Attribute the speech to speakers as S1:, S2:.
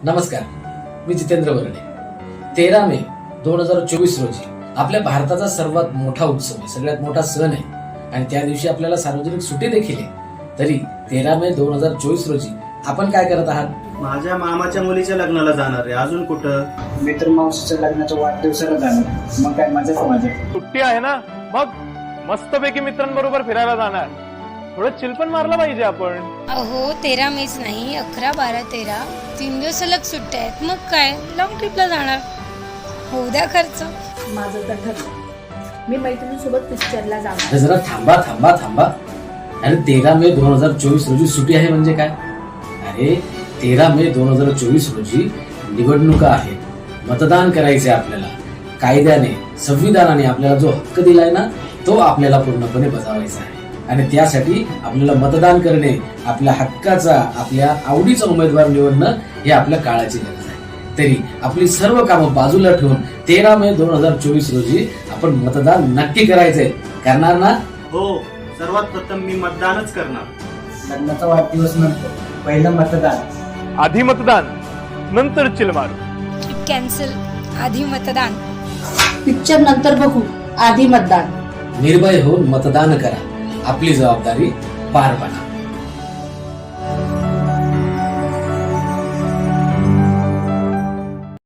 S1: नमस्कार, मी जितेंद्र वर्णे. 13 मे 2024 रोजी आपल्या भारताचा सर्वात मोठा उत्सव आहे, सगळ्यात मोठा सण आहे आणि त्या दिवशी आपल्याला सार्वजनिक सुट्टी देखील आहे. तरी 13 मे 2024 रोजी आपण काय करत आहात?
S2: माझ्या मामाच्या मुलीच्या लग्नाला जाणार आहे. अजून कुठं?
S3: मित्र मावशीच्या लग्नाच्या वाढदिवसाला जाणार. मग काय मजाच मजा.
S4: सुट्टी आहे ना, मग मस्तपैकी मित्रांबरोबर फिरायला जाणार. थोडं चिल पण मारलं पाहिजे आपण.
S5: अहो 13 मेच नाही, 11, 12, 13 3 दिवस सलग सुट्ट्या आहेत. मग काय लॉंग ट्रिपला जाणार. होऊ द्या खर्च.
S6: माझं तर ठरलं, मी मैत्रिणीसोबत पिक्चरला जाणार.
S1: तर जरा थांबा थांबा थांबा. अरे 13 मे 2024 रोजी सुट्टी आहे म्हणजे काय? अरे 13 मे 2024 रोजी निवडणुका आहेत, मतदान करायचे आपल्याला. कायद्याने, संविधानाने आपल्याला जो हक्क दिलाय ना, तो आपल्याला पूर्णपणे बजावायचा आहे आणि त्यासाठी आपल्याला मतदान करणे, आपल्या हक्काचा, आपल्या आवडीचा उमेदवार निवडणं हे आपल्या काळाची गरज आहे. तरी आपली सर्व कामं बाजूला ठेवून 13 मे 2024 रोजी आपण मतदान नक्की करायचंय. करणार ना?
S2: हो, सर्वात प्रथम मी मतदानच करणार.
S3: लग्नाचा वाढदिवस नंतर पहिलं मतदान.
S4: आधी मतदान, नंतर चिल मारू.
S5: ट्रिप कॅन्सल, आधी मतदान.
S6: पिक्चर नंतर बघू, आधी मतदान.
S1: निर्भय होऊन मतदान करा. आपली जबाबदारी पार पाडा.